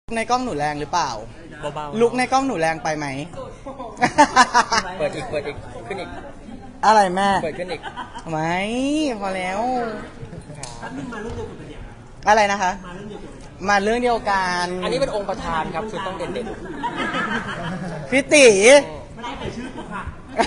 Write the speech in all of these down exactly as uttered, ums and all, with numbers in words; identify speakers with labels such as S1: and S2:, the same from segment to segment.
S1: ในกล้องหนูแรงหรือเปล่า
S2: เบาๆ
S1: ลุกในกล้องหนูแรงไปไหม
S2: เปิดอีกเปิดอีกขึ้นอีก
S1: อะไรแม่
S2: เปิดขึ้นอีก
S1: ไม่พอแล้วอะไรนะคะ มาเรื่องเดียวกัน
S2: อันนี้เป็นองค์ประธานครับคือต้องเด่น
S1: ๆพี่ตีไม่ได้เอ่ยชื่อค่ะ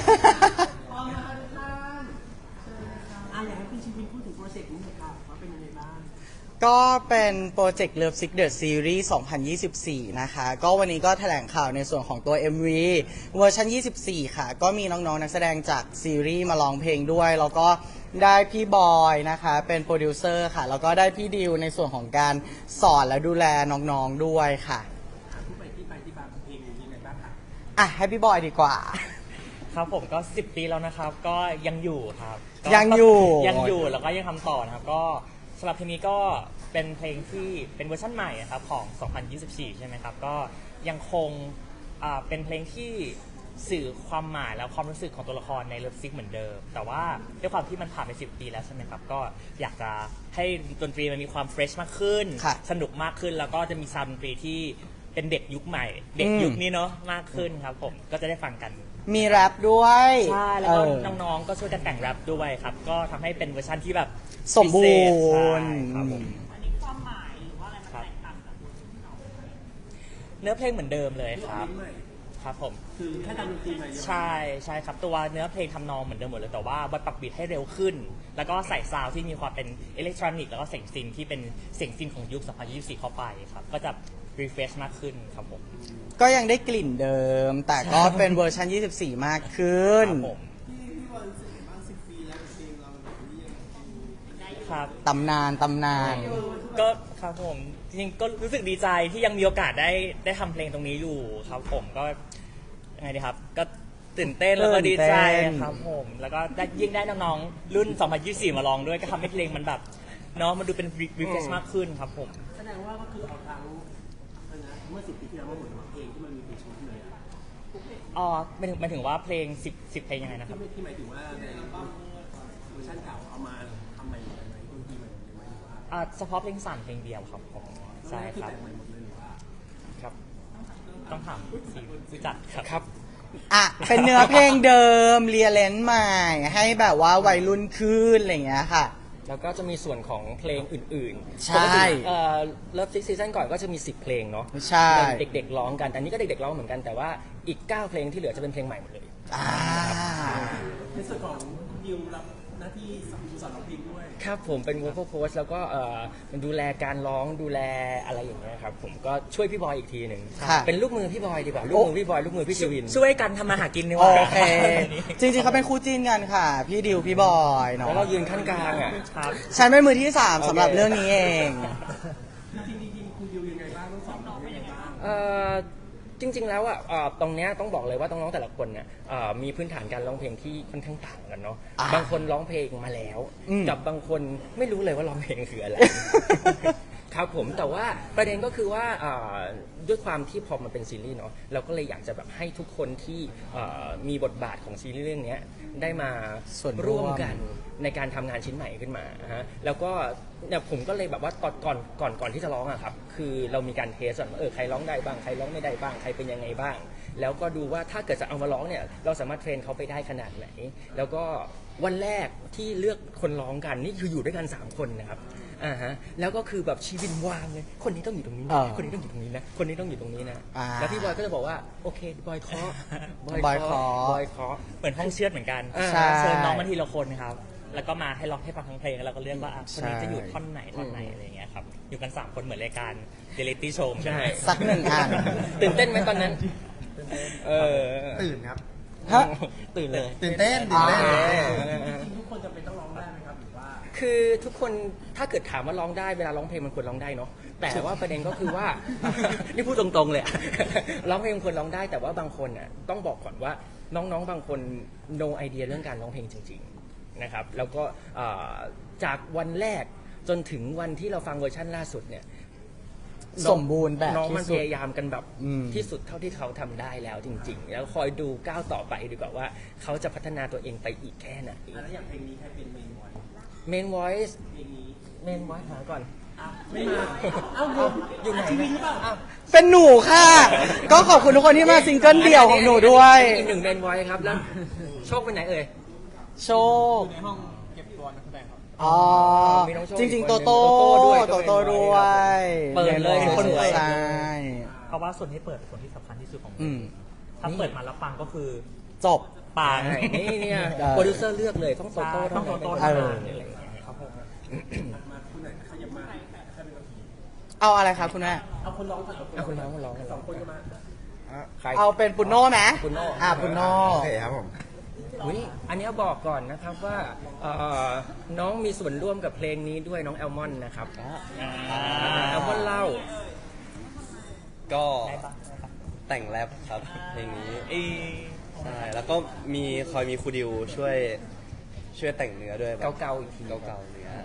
S1: ก็เป็นโปรเจกต์ Love Sick The Series สองพันยี่สิบสี่ นะคะ ก็วันนี้ก็แถลงข่าวในส่วนของตัว เอ็ม วี เวอร์ชันยี่สิบสี่ ค่ะ ก็มีน้องๆนักแสดงจากซีรีส์มาร้องเพลงด้วย แล้วก็ได้พี่บอยนะคะ เป็นโปรดิวเซอร์ค่ะ แล้วก็ได้พี่ดิวในส่วนของการสอนและดูแลน้องๆด้วยค่ะอ่ะให้พี่บอยดีกว่า
S3: ครับผมก็สิบปีแล้วนะครับ ก็ยังอยู่ครับ
S1: ยังอยู่
S3: ยังอยู่แล้วก็ยังทำต่อนะครับก็สำหรับเพลงนี้ก็เป็นเพลงที่เป็นเวอร์ชันใหม่ครับของสองพันยี่สิบสี่ใช่ไหมครับก็ยังคงเป็นเพลงที่สื่อความหมายและความรู้สึกของตัวละครในเลิฟซิกเหมือนเดิมแต่ว่าด้วยความที่มันผ่านไปสิบปีแล้วใช่ไหมครับก็อยากจะให้ดนตรีมันมีความเฟรชมากขึ้นสนุกมากขึ้นแล้วก็จะมีซาวด์ดนตรีที่เป็นเด็กยุคใหม่เด็กยุคนี้เนาะมากขึ้นครับผมก็จะได้ฟังกัน
S1: มีแรปด้วย
S3: ใช่แล้วก็น้องๆก็ช่วยกันแต่งแรปด้วยครับก็ทำให้เป็นเวอร์ชันที่แบบ
S1: สมบูรณ์
S3: ครับผมอันนี้ความหมายหรือว่าอะไรมันแตกต่างจากเนื้อเพลงเหมือนเดิมเลยครับครับผมคือแค่ทำดนตรีใหม่ใช่ใช่ครับตัวเนื้อเพลงทำนองเหมือนเดิมหมดเลยแต่ว่าบอยปรับบีทให้เร็วขึ้นแล้วก็ใส่ซาวด์ที่มีความเป็นอิเล็กทรอนิกส์แล้วก็เสียงซินที่เป็นเสียงซินของยุคสองพันยี่สิบสี่เข้าไปครับก็จะรีเฟรชมากขึ้นครับผม
S1: ก็ยังได้กลิ่นเดิมแต่ก็เป็นเวอร์ชันยี่สิบสี่มากขึ้น
S3: ครับ
S1: ตำนานตำนาน
S3: ก็ครับผมจริงๆก็รู้สึกดีใจที่ยังมีโอกาสได้ได้ทำเพลงตรงนี้อยู่ครับผมก็ยังไงดีครับก็ตื่นเต้นแล้วก็ดีใจครับผมแล้วก็ได้ยิ่งได้น้องๆรุ่นสองพันยี่สิบสี่มาลองด้วยก็ทำให้เพลงมันแบบเนาะมันดูเป็นรีเฟรชมากขึ้นครับผม
S4: แสดงว่าก็คือเอาทั้งเมื่อสิบปีที่แล้วมาหมดเพลงที่มันมีเพลงชุดเลย
S3: อ๋อหมายถึงหมายถึงว่าเพลงสิบสิบเพลงยังไงนะครับ
S4: ที่หมายถึงว่าในเวอร์ชันเก่าเอามาทำใหม่หมดเลยดนตรีใหม่หมดเลย
S3: อ่าเฉพาะเพลงสามเพลงเดียวครับผมใช่ครับครับต้องถามผู้จัดครับ
S1: ครับอ่ะเป็นเนื้อเพลงเดิมเรียเลนใหม่ให้แบบว่าวัยรุ่นขึ้นอะไรอย่างเงี้ยค่ะ
S2: แล้วก็จะมีส่วนของเพลงอื่น
S1: ๆใช่
S2: เอ่อเลิฟซิกซีซั่นก่อนก็จะมีสิบเพลงเนาะ
S1: ใช่
S2: เด็กๆร้องกันอันนี้ก็เด็กๆร้องเหมือนกันแต่ว่าอีกเก้าเพลงที่เหลือจะเป็นเพลงใหม่หมดเลย
S1: อ่า
S4: ในส่วนของดิวรับหน้าที่สอนร้องเพลงด้วย
S2: ครับผมเป็น vocal coach แล้วก็เอ่อมันดูแลการร้องดูแลอะไรอย่างเงี้ยครับผมก็ช่วยพี่บอยอีกทีหนึ่งเป็นลูกมือพี่บอยดีกว่าลูกมือพี่บอยลูกมือพี่ชีวิน
S3: ช่วยกันทำมาหากินดีก
S1: ว่า
S3: โอ
S1: เคจริงๆเขาเป็นคู่จิ้นกันค่ะพี่ดิวพี่บอยเนาะ
S2: แล้วเรายืนขั้นกลางอ่ะ
S1: ฉันเป็นมือที่สามสำหรับเรื่องนี้เอง
S4: จริงๆคุณดิวยังไงบ้างต้องสอนน้องยังไงบ้าง
S2: เอ่อจริงๆแล้วอ่ะตรงเนี้ยต้องบอกเลยว่าน้องๆแต่ละคนเนี่ยมีพื้นฐานการร้องเพลงที่ค่อนข้างต่างกันเนาะบางคนร้องเพลงมาแล้วกับบางคนไม่รู้เลยว่าร้องเพลงคืออะไรครับผมแต่ว่าประเด็นก็คือว่าด้วยความที่พอมันเป็นซีรีส์เนาะเราก็เลยอยากจะแบบให้ทุกคนที่มีบทบาทของซีรีส์เรื่องนี้ได้มา
S1: ส่วน
S2: ร่วมกันในการทำงานชิ้นใหม่ขึ้นมาฮะแล้วก็เนี่ยผมก็เลยแบบว่าตอนก่อนก่อนก่อนที่จะร้องอะครับคือเรามีการเทสว่าเออใครร้องได้บ้างใครร้องไม่ได้บ้างใครเป็นยังไงบ้างแล้วก็ดูว่าถ้าเกิดจะเอามาร้องเนี่ยเราสามารถเทรนเขาไปได้ขนาดไหนแล้วก็วันแรกที่เลือกคนร้องกันนี่คืออยู่ด้วยกันสามคนนะครับอ่าฮะแล้วก็คือแบบชีวินวางเลยคนนี้ต้องอยู่ตรงนี้นะคนนี้ต้องอยู่ตรงนี้นะคนนี้ต้องอยู่ตรงนี้นะแล้วพี่บอยก็จะบอกว่าโอเคบอยคอบ
S1: อยคอบ
S2: อยคอ
S3: เหมือนห้องเชือดเหมือนกันเชิญน้องมาทีละคนครับแล้วก็มาให้ร้องให้ฟังทั้งเพลงแล้วเราก็เลือกว่าคนนี้จะอยู่ท่อนไหนท่อนไหนอะไรอย่างเงี้ยครับอยู่กันสามคนเหมือนรายการเรียลิตี้โชว์
S2: ใช่
S1: สักหนึ่งอัน
S2: ตื่นเต้นไหมตอนนั้นเออ
S4: ตื่นครับ
S1: ฮะ
S2: ตื่นเลย
S4: ตื่นเต้นตื่นเต้นทุกคนจะเป็นต้องร้องได้ไหมครับหรือว่า
S2: คือทุกคนถ้าเกิดถามว่าร้องได้เวลาร้องเพลงมันควรร้องได้เนาะแต่ว่าประเด็นก็คือว่านี่พูดตรงๆเลยร้องเพลงมันควรร้องได้แต่ว่าบางคนอ่ะต้องบอกก่อนว่าน้องๆบางคน no idea เรื่องการร้องเพลงจริงๆนะครับแล้วก็จากวันแรกจนถึงวันที่เราฟังเวอร์ชันล่าสุดเนี่ย
S1: สมบูรณ์แบบ
S2: น้องมันพยายามกันแบบที่สุดเท่าที่เขาทำได้แล้วจริงๆแล้วคอยดูก้าวต่อไปดีกว่าว่าเขาจะพัฒนาตัวเองไปอีกแค่ไหน
S4: แล้วอย่างเพลงนี้ใครเป็นเมนวอยซ์
S2: เมนวอยซ์เพลงนี้เมนวอยซ์หาก่อน
S4: ไม่มาเอ้าอยู่อยู่ทีวีหรือเปล่าอ้าว
S1: เป็นหนูค่ะ ก็ขอบคุณทุกคนที่มาซิงเกิลเดี่ยวของหนูด้วย
S2: อีกหนึ่งเมนไว้ครับแล้วโชคไปไหนเอ่ย
S1: โชค
S3: ในห้องเก็บตัวนักแสดงครับ
S1: อ๋อ
S2: มีน้องโชค
S1: จริง
S2: อี
S1: ๆ
S2: ก
S1: โต
S2: คนหนึ่ง
S1: โต้
S2: โตโต้ด้วย
S1: โตโต้ด้วย
S2: เปิดเลย
S1: มีคน
S2: สวยๆ
S1: ใช่
S3: เพราะว่าส่วนที่เปิดเป็นส่วนที่สำคัญที่สุดของ
S1: อืม
S3: ถ้าเปิดมาแล้วปังก็คือ
S1: จบ
S3: ปัง
S2: ใช่นี่เนี่ย
S1: ได้
S2: โปรดิวเซอร์เลือกเลยต้องโตโต้
S3: ต้องโตโต้
S2: เท่า
S3: เท่า
S2: นั้น
S3: นั้น
S2: อะไรอย่างเงี้ยครับผม
S4: มาคุณไหนขยับมาใครเป็นคนผี
S1: เอาอะไรครับคุณแม่
S4: เอาคนร้องก่อน
S2: เอาคุณร้องคุณร้อง
S4: สองคนก็มา
S2: ใคร
S1: เอาเป็นปุนโน่ไหม
S2: ปุณโน่
S1: อ่าปุนโน่
S5: โอเคครับผม
S2: อุ๊ยอันนี้บอกก่อนนะครับว่าเอ่อน้องมีส่วนร่วมกับเพลงนี้ด้วยน้องแอลมอนนะครับแอลมอนเล่า
S5: ก็แต่งแรปครับเพลงนี้ใช่แล้วก็มีคอยมีครูดิวช่วยช่วยแต่งเนื้อด้วยแบบ
S2: เก่าๆอีกที
S5: เก่าๆเนื้อ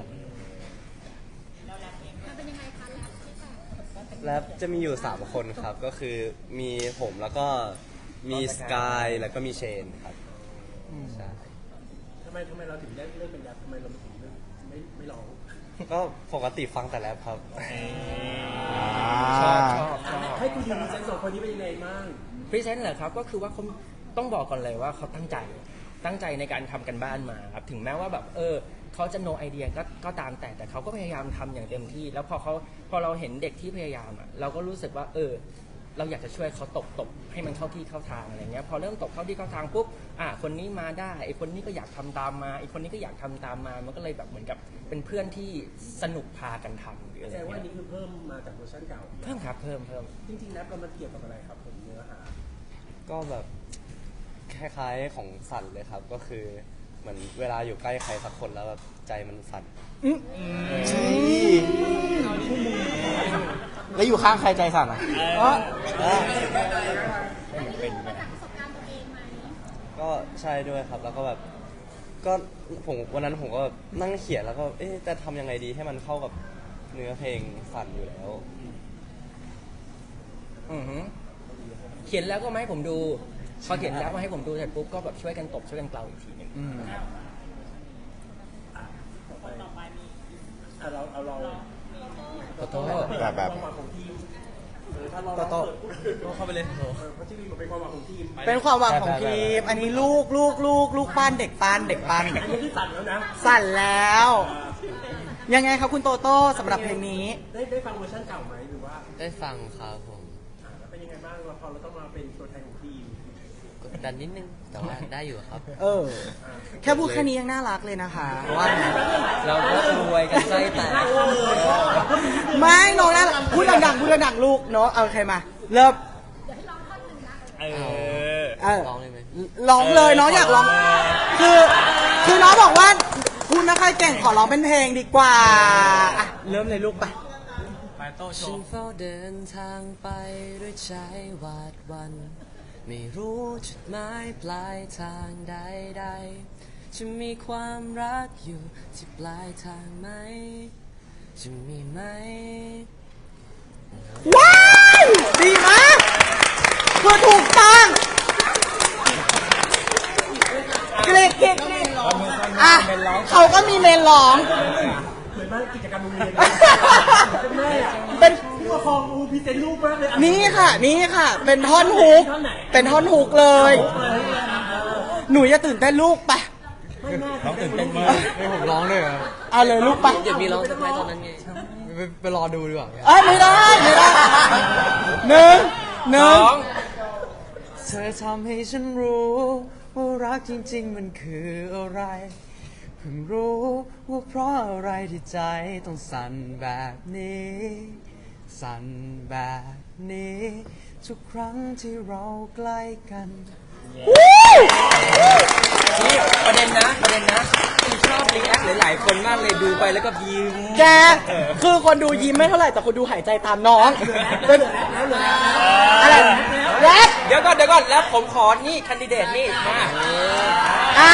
S5: แรปจะมีอยู่สามคนครับ ก็คือมีผมแล้วก็มีสกายแล้วก็มีเชนครับใช่
S4: ทำไมทำไมเราถึงเลือกเลือกเป็นแรปทำไมเราถึงเลือกไม่ไม่ร้อง
S5: ก็ปกติฟังแต่แรปครับ
S2: ชอบชอบชอบ
S4: ให้คุณทีมเซนสองคนนี้เป็นยังไงบ้าง
S2: พรีเซนต์เหรอครับก็คือว่าเขาต้องบอกก่อนเลยว่าเขาตั้งใจตั้งใจในการทำกันบ้านมาครับถึงแม้ว่าแบบเออเขาจะ no idea ก็ก็ตามแต่แต่เขาก็พยายามทำอย่างเต็มที่ แล้วพอเขาพอเราเห็นเด็กที่พยายามอ่ะเราก็รู้สึกว่าเออเราอยากจะช่วยเขาตบตบให้มันเข้าที่เข้าทางอะไรเงี้ยพอเริ่มตบเข้าที่เข้าทางปุ๊บอ่ะคนนี้มาได้ไอคนนี้ก็อยากทำตามมาไอคนนี้ก็อยากทำตามมามันก็เลยแบบเหมือนกับเป็นเพื่อนที่สนุกพากันทำหรืออะไร
S4: แสดงว่าอัน
S2: เงี้ย
S4: นี้คือเพิ่มมาจากเวอร์ชันเก่า
S2: เพิ่มครับเพิ่มเพิ่ม
S4: จริงๆแรปเรามันเกี่ยวกับอะไรครับผมเนื้อหา
S5: ก็แบบคล้ายๆของสั่นเลยครับ ก็คือเหมือนเวลาอยู่ใกล้ใครสักคนแล้วแบบใจมันสั่น
S1: แล้วอยู่ข้างใครใจสั่นอ่ะ
S5: ก็ใช่ด้วยครับ แล้วก็แบบก็ผมวันนั้นผมก็แบบนั่งเขียนแล้วก็เอ๊ะจะทำยังไงดีให้มันเข้ากับเนื้อเพลงสั่นอยู่แล้ว
S2: อือหือเขียนแล้วก็มาให้ผมดูพอเขียนแล้วมาให้ผมดูเสร็จปุ๊บก็แบบช่วยกันตบช่วยกันเกลาอีกทีหนึ่ง
S4: อ่ะเราเอาเรา
S2: โตโต้
S5: แบบแบบ
S4: ความหวังของทีมเออถ้าเรา
S1: โตโต้
S4: เราเข้าไปเลยเออเพราะที่นี่มันเป็นความหวังของทีม
S1: เป็นความหวังของทีม อันนี้ลูกลูกลูกลูกปั้นเด็กปั้นเด็กปั้น
S4: อันนี้คือสั่นแล้วนะ
S1: สั่นแล้ว ยังไงครับคุณโตโต้สำหรับเพลงนี้
S4: ได้ได้ฟังเวอร์ชันเก่าไหมหรือว่า
S5: ได้ฟังครับผม
S4: อ่าแล้วเป็นยังไงบ้างเราพอเราต้องมาเป็นตัวแทนของทีม
S5: กดดันนิดนึงแต่ว่าได้อยู่ครับ
S1: เออ แค่พูดแค่นี้ยังน่ารักเลยนะคะว่าไง
S2: เราก็รวยกันใจแตก
S1: ไม่น้องน่ารักพูดดังๆพูดดังๆลูกเนาะเอาใครมา เริ่ม
S3: เออ
S1: เออ
S5: ร้องเลยไหม
S1: ร้องเลยน้องอยากร้อง คือ คือน้องบอกว่าคุณไม่ค่อยเก่งขอร้องเป็นเพลงดีกว่าอ่ะเริ่มเลยลูกไป
S5: ฉันเฝ้าเดินทางไปด้วยใจหวาดหวัน ไม่รู้จุดหมายปลายทางใดๆจะมีความรักอยู่ที่ปลายทางไหม จะมีไหม
S1: ว้าวดีมากคือถูกต้องเกรดเกรดเกรดอ่ะเขาก็มีเมนร้อง
S4: เหมือนบ้านกิจกรรมโรงเรียนเลยเป็นแม่อะ
S1: เป็น
S4: ผู้ปกครองอูพรีเซนต์รูปมากเลยอ่ะ
S1: นี่ค่ะ นี่ค่ะ เป็นท่อนฮุก เป็นท่อนฮุกเลย หนูอย่าตื่นเต้นลูกไป
S4: ไม่แม่
S3: น้องตื่นเต้นมาก
S5: ให้ผมร้องเลยเหรอ
S1: เอาเลยลูกไป
S5: เดี๋ยวมีร้องสักไตอนนั้นไงไปไปรอดูดีกว่า
S1: เอ้ยไม่ได้ไม่ได้หนึ่งหนึ่ง
S5: เธอทำให้ฉันรู้ว่ารักจริงๆมันคืออะไร เพิ่งรู้ว่าเพราะอะไรที่ใจต้องสั่นแบบนี้ สั่นแบบนี้ ทุกครั้งที่เราใกล้กัน
S2: นี่ประเด็นนะประเด็นนะที่ชอบรีแอคหลายๆคนมากเลยดูไปแล้วก็ยิ้ม
S1: แกคือคนดูยิ้มไม่เท่าไหร่แต่คนดูหายใจตามน้องเป็นอะไรแรป
S2: เดี๋ยวก่อนเดี๋ยวก่อนแล้วผมขอนี่คันดิเดตนี่มา
S1: อ่ะ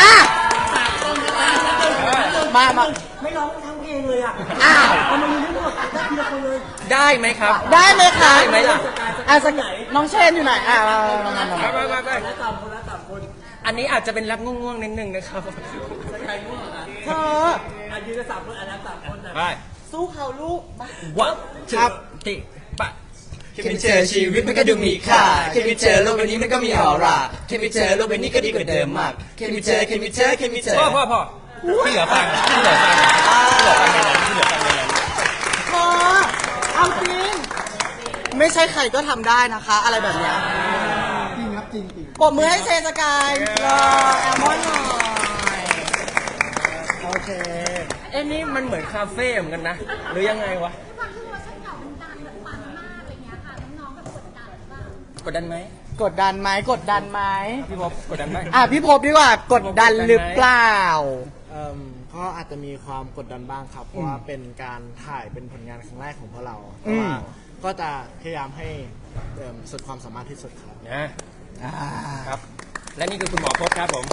S1: มามา
S4: ไม่ร้องทั้งเพลงเลยอ่ะ
S1: อ้าว
S4: ทำไมมีทั้งหมดได้ทีละคนเลย
S2: ได้ไหมครับ
S1: ได้ไหมคะ
S2: ได้ไหมล่ะ
S1: อ่ะสักน้องเชนอยู่ไหนอ่ะมามามามา
S2: ไปไปไป
S4: แล้วตามคนละตามคน
S2: อันนี้อาจจะเป็นรับง่วงๆนิดนึงนะครับ
S4: ใครง่วงอ่ะ
S1: เธอ
S4: อ่ะยืนกันสามคนอ่ะนะสามคนอ่ะ
S2: ไป
S1: สู้เขาลูกมา
S2: วับ
S5: ครับ
S2: ติปะ
S5: แค่ไม่เจอชีวิตมันก็ดูมีค่าแค่ไม่เจอโลกใบนี้มันก็มีออร่าแค่ไม่เจอโลกใบนี้ก็ดีกว่าเดิมมากแค่ไม่เจอแค่ไม่เจอแค่ไม่เจอ
S2: พ่อพ่อพ่อที่เหลือฟังที่เหลือฟังที่เหลือฟังในนั้นที่เหลือฟังในนั้น
S1: พอเอาจริง ไม่ใช่ใครก็ทำได้นะคะ อะไรแบบเนี้ยจริงครับจริงจริงปรบมือให้เซสกายรอแอลมอนหน่อยโอเค
S2: เอ้นี่มันเหมือนคาเฟ่เหมือนกันนะ หรือยังไงวะ
S6: ความที่เวอร์ชันเก่ามันดังแบบปังมากอะไรเงี้ยค่ะน้องๆแบบกดดันหรือเปล่าก
S2: ดดันไหม
S1: กดดันไหมกดดันไหม
S2: พี่พบกดดันไหม
S1: อ่ะพี่พบดีกว่ากดดันหรือเปล่า
S7: เอิ่มก็อาจจะมีความกดดันบ้างครับ เพราะว่าเป็นการถ่ายเป็นผลงานครั้งแรกของพวกเรา
S1: อื
S7: แต่
S1: ม
S7: ว่าก็จะพยายามให้เอิ่มสุดความสามารถที่สุดครับ
S2: นะ
S1: อ่า
S2: ครับ และนี่คือคุณหมอพบครับผม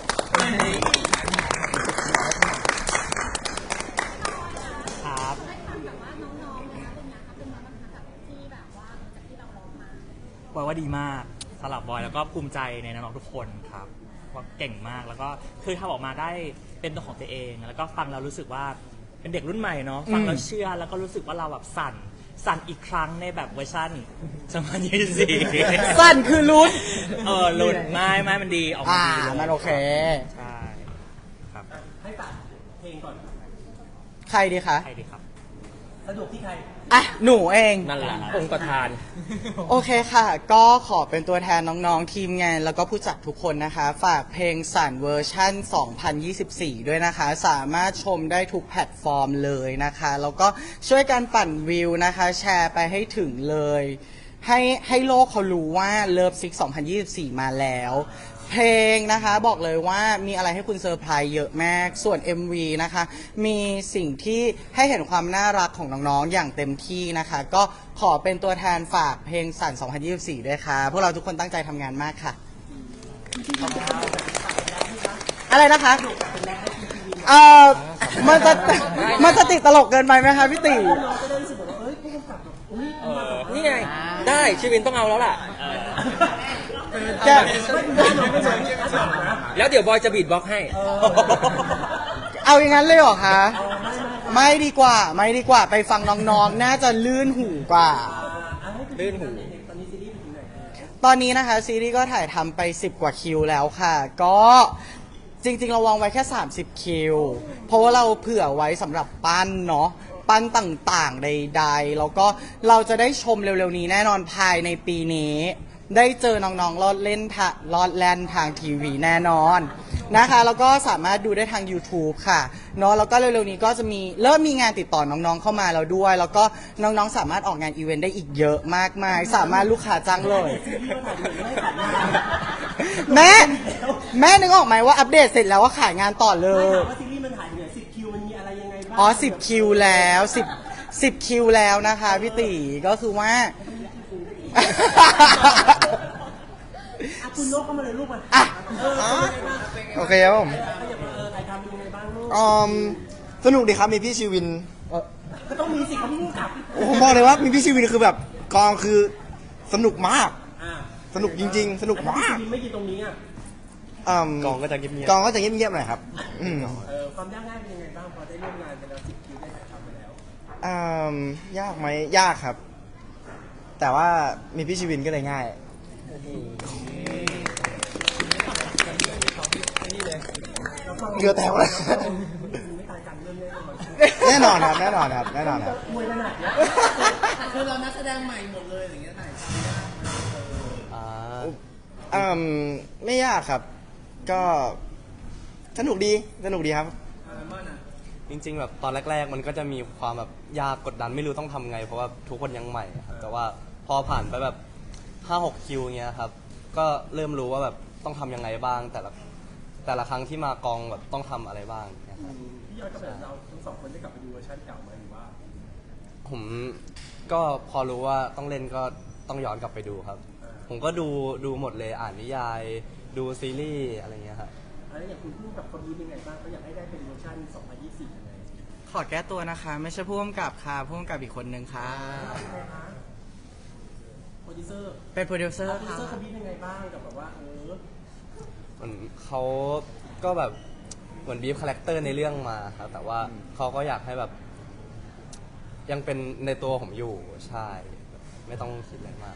S3: ครับ
S6: ได้ฟังแบบว่าน้องๆนะคะเป็นไงคะเป็นไงบ้างคะกับที่แบบว่าจากที่เราร้องมา
S3: บอยว่าดีมากสำหรับบอยแล้วก็ภูมิใจในน้องๆทุกคนครับว่าเก่งมากแล้วก็คือทำออกมาได้เป็นตัวของตัวเอง แล้วก็ฟังแล้วรู้สึกว่าเป็นเด็กรุ่นใหม่เนาะฟังแล้วเชื่อแล้วก็รู้สึกว่าเราแบบสั่นสั่นอีกครั้งในแบบเวอร์ชันสองพันยี่สิบสี่
S1: สั้นคือลุ้น
S3: เออหลุดไม่ไม่มันดีออกมา
S1: อ่า
S3: ดีเลย
S1: มันโอเค
S3: ใช่ครับ
S4: ให้ฝากเพลงก่อน
S1: ใครดีคะ
S3: ใครดีครับ
S4: สะดวกที่ใคร
S1: อ่ะ หนูเอง
S2: นั่นแหละองค์ประธาน
S1: โอเคค่ะ ก็ขอเป็นตัวแทนน้องๆ ทีมงาน แล้วก็ผู้จัดทุกคนนะคะ ฝากเพลงสั่นเวอร์ชั่น สองพันยี่สิบสี่ ด้วยนะคะ สามารถชมได้ทุกแพลตฟอร์มเลยนะคะ แล้วก็ช่วยกันปั่นวิวนะคะ แชร์ไปให้ถึงเลย ให้ให้โลกเขารู้ว่าเลิฟซิกสองพันยี่สิบสี่ มาแล้ว เพลงนะคะบอกเลยว่ามีอะไรให้คุณเซอร์ไพรส์เยอะมาก ส่วน เอ็ม วี นะคะ มีสิ่งที่ให้เห็นความน่ารักของน้องๆ อย่างเต็มที่นะคะ ก็ขอเป็นตัวแทนฝากเพลงสั่น สองพันยี่สิบสี่ ด้วยค่ะ พวกเราทุกคนตั้งใจทำงานมากค่ะ อะไรนะคะ เอ่อ มันจะ มันจะติดตลกเกินไปไหมคะพี่ติ
S2: เออนี่ไง ได้ชีวินต้องเอาแล้วล่ะ
S1: แก
S2: แล้วเดี๋ยวบอยจะบีทบ็อกซ์ให้
S1: เอาอย่างนั้นเลยเหรอคะ ไม่ดีกว่า ไม่ดีกว่า ไปฟังน้องๆ น่าจะลื่นหูกว่า
S2: ลื่นหู
S1: ตอนนี้นะคะซีรีส์ก็ถ่ายทำไปสิบกว่าคิวแล้วค่ะ ก็จริงๆเราวางไว้แค่สามสิบคิว เพราะว่าเราเผื่อไว้สำหรับปั้นเนาะปั้นต่างๆใดๆแล้วก็เราจะได้ชมเร็วๆนี้แน่นอนภายในปีนี้ ได้เจอน้องๆรอดเล่นทะรอดแล่นทางทีวีแน่นอนนะคะ แล้วก็สามารถดูได้ทาง YouTube ค่ะเนาะแล้วก็เร็วๆนี้ก็จะมีเริ่มมีงานติดต่อน้องๆเข้ามาแล้วด้วย แล้วก็น้องๆสามารถออกงานอีเวนต์ได้อีกเยอะมากมาย สามารถลูกค้าจ้างเลย แม่แม่นึกออกไหมว่าอัปเดตเสร็จแล้วว่าขายงานต่อเล
S4: ไม่
S1: ย
S4: ถามว่าซีรีส์มันถ่ายอยู่ไหนสิบคิวมันมีอะไรยังไงบ้าง
S1: อ๋อสิบคิวแล้วสิบสิบคิวแล้วนะคะพี่ตีก็คือว่า
S4: อ่ะคุณโลกเข้ามาเลยลูกมา
S1: อ่ะ
S4: เออเป็นยังไงบ้าง
S5: โอเคครับผม
S4: เออเออถ่ายทำเป็นยังไงบ้างลูก
S5: อืมสนุกดีครับมีพี่ชีวินเอ่อ
S4: ก็ต้องมีสิเขาพี่ลูกกลับ
S5: ผมบอกเลยว่ามีพี่ชีวินคือแบบกองคือสนุกมาก
S4: อ่า
S5: สนุกจริง ๆ สนุก
S4: แต่ถ้าพี่
S5: มาก
S4: ชีวินไม่ยืนตรงนี้อ่ะ
S5: กองก็จะเงียบๆกองก็จะเงียบๆหน่อยครับอืม
S4: เออความยากง่ายเป็นยังไงบ้างพอได้ร่วมงานไปแล้วสิบคิวได้ถ่ายทำไปแล้ว
S5: อืมยากไหมยากครับ แต่ว่ามีพี่ชีวินก็เลยง่ายเหงื่อแตกเลย
S4: ไม่ตายกันเรื่องแน่นอน
S5: แน่นอนครับแน่นอนครับแน่นอนครับ
S4: มวยขนาดเนี้ย
S1: คือเรานักแสดงใหม่หมดเลยอย่างเงี้ยถ่าย
S5: อืมไม่ยากครับ ก็สนุกดีสนุกดีครับ
S8: จริงๆแบบตอนแรก ๆ มันก็จะมีความแบบยากกดดันไม่รู้ต้องทำไง เพราะว่าทุกคนยังใหม่ครับแต่ว่าพอผ่านไปแบบห้าหกคิวเงี้ยครับก็เริ่มรู้ว่าแบบต้องทำยังไงบ้าง แต่ละแต่ละครั้งที่มากองแบบต้องทำอะไรบ้างเงี้ยครับ
S4: พี่ยอดก็แบบเราทั้งสองคนได้กลับไปดูเวอร์ชันเก่าไหมหรือว่า
S8: ผมก็พอรู้ว่าต้องเล่นก็ต้องย้อนกลับไปดูครับ ผมก็ดูดูหมดเลยอ่านนิยาย ดูซีรีส์อะไรเงี้ยครับ
S4: แล้วอย่างคุณพูดกับคนนี้เป็นไงบ้างเขาอยากให้ได้เป็นเวอร์ชันสองพันยี่สิบยังไง
S1: ขอแก้ตัวนะคะ ไม่ใช่ผู้กำกับค่ะผู้กำกับอีกคนนึงค่ะ
S4: ใครคะโปรดิวเซอร์
S1: เป็นโปรดิวเซอ
S4: โปร
S1: ร์
S4: ดิว
S1: ค่ะ
S4: เซอร์เขาบีบยังไงบ้างกับแบบว่าเออ
S8: เหมือนเขาก็แบบเหมือนบีฟคาแรคเตอร์ในเรื่องมาครับแต่ว่าเขาก็อยากให้แบบยังเป็นในตัวผมอยู่ใช่ ไม่ต้องคิดอะไรมาก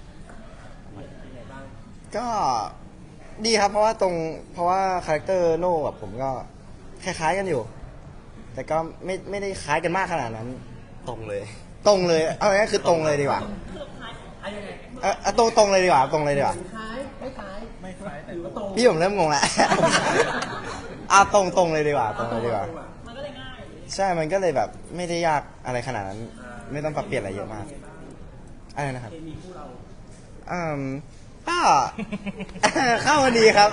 S9: ก็ดีครับเพราะว่าตรงเพราะว่าคาแรคเตอร์โน่กับผมก็คล้ายๆกันอยู่ แต่ก็ไม่ไม่ได้คล้ายกันมากขนาดนั้น
S8: ตรงเลย
S9: ตรงเลยเอาง่ายๆคือตรงเลยดีกว่าเออเอาตรงตรงเลยดีกว่าตรงเลยดีกว่า
S4: คล้ายไม่คล้ายไม่คล้ายแต่หรือว่าตรง
S9: พี่ผมเริ่มงงแล้ว เอาตรงตรงเลยดีกว่าตรงเลยดีกว่า
S4: มันก็เลยง่าย
S9: ใช่มันก็เลยแบบไม่ได้ยากอะไรขนาดนั้น ไม่ต้องปรับเปลี่ยนอะไรเยอะมากอะไรนะครับ
S4: เคมีคู่เรา
S9: อืมก็ เข้ากันดีครับ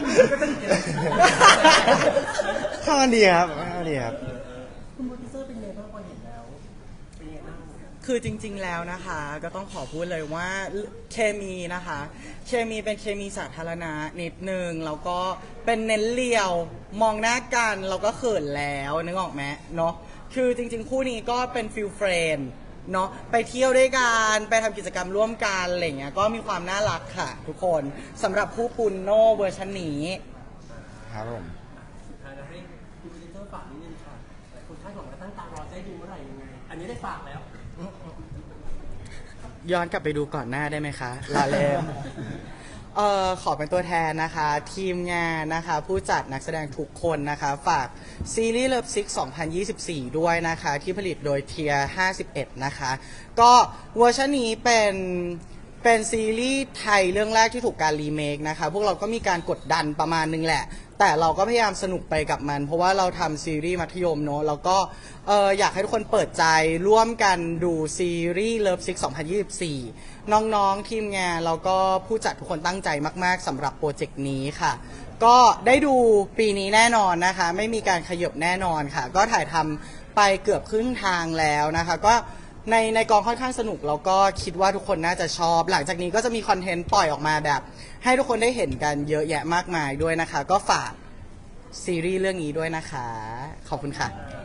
S9: เข้ากันดีครับเข้ากันดีครับ
S4: คุณโปรดิวเซอร์เป็นไงบ้างพอเห็นแล้วเป็นไงบ้าง
S1: คือจริงๆ แล้วนะคะ ก็ต้องขอพูดเลยว่าเคมีนะคะ เคมีเป็นเคมีสาธารณะนิดนึงแล้วก็เป็นเน้นเลียวมองหน้ากันเราก็เขินแล้วนึกออกไหมเนาะคือจริงๆ คู่นี้ก็เป็นฟิลเฟรนด์เนาะไปเที่ยวด้วยกันไปทำกิจกรรมร่วมกันอะไรเงี้ยก็มีความน่ารักค่ะทุกคนสำหรับคู่ปุนโนเวอร์ชันนี้
S9: ครับผม
S4: สุดท้ายแล้วให้คุณโปรดิวเซอร์ฝากนิดนึงค่ะหลายคนคาดหวังและตั้งตารอจะได้ดูเมื่อไหร่ยังไง อันนี้ได้ฝากแล้ว
S1: ย้อนกลับไปดูก่อนหน้าได้ไหมคะลาเล่น เอ่อขอเป็นตัวแทนนะคะ ทีมงานนะคะ ผู้จัดนักแสดงทุกคนนะคะ ฝากซีรีส์เลิฟซิกสองพันยี่สิบสี่ ด้วยนะคะ ที่ผลิตโดยเทียห้าสิบเอ็ดนะคะ ก็เวอร์ชันนี้เป็นเป็นซีรีส์ไทยเรื่องแรกที่ถูกการรีเมคนะคะ พวกเราก็มีการกดดันประมาณนึงแหละ แต่เราก็พยายามสนุกไปกับมัน เพราะว่าเราทำซีรีส์มัธยมเนอะแล้วก็เอออยากให้ทุกคนเปิดใจร่วมกันดูซีรีส์ Love Sick สองพันยี่สิบสี่ น้องๆทีมงานแล้วก็ผู้จัดทุกคนตั้งใจมากๆสำหรับโปรเจกต์นี้ค่ะ ก็ได้ดูปีนี้แน่นอนนะคะ ไม่มีการขยับแน่นอนค่ะ ก็ถ่ายทำไปเกือบครึ่งทางแล้วนะคะ ก็ในในกองค่อนข้างสนุกแล้วก็คิดว่าทุกคนน่าจะชอบ หลังจากนี้ก็จะมีคอนเทนต์ปล่อยออกมาแบบ ให้ทุกคนได้เห็นกันเยอะแยะมากมายด้วยนะคะ ก็ฝากซีรีส์เรื่องนี้ด้วยนะคะ ขอบคุณค่ะ